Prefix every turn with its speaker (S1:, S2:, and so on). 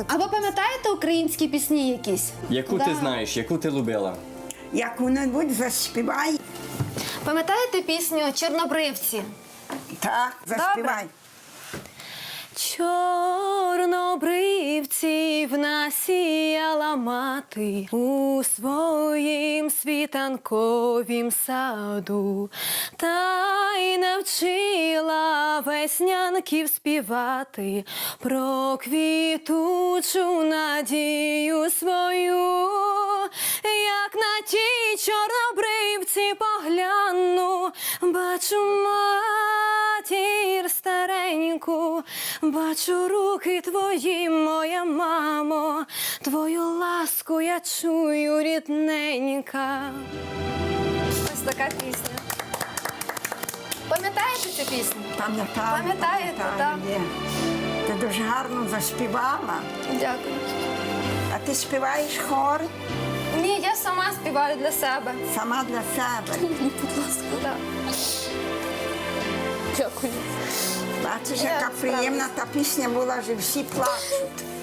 S1: А ви пам'ятаєте українські пісні якісь?
S2: Яку ти знаєш, яку ти любила?
S3: Яку-небудь заспівай.
S1: Пам'ятаєте пісню «Чорнобривці»?
S3: Так, заспівай.
S1: Чорнобривців насіяла мати у своїм світанковім саду, та й навчила веснянків співати про квітучу надію свою. Як на ті чорнобривці погляну, бачу матір стареньку, бачу руки твої, моя мамо, твою ласку я чую, рідненька. Ось така пісня. Пам'ятаєте цю пісню?
S3: Пам'ятаю.
S1: Пам'ятаєте, так?
S3: Є. Ти дуже гарно заспівала.
S1: Дякую.
S3: А ти співаєш хор
S1: Ні, я сама співаю для себе.
S3: сама для себе.
S1: Будь ласка, так. Дякую.
S3: Бачиш,
S1: Я
S3: яка
S1: справлюсь.
S3: приємна та пісня була, що всі плачуть.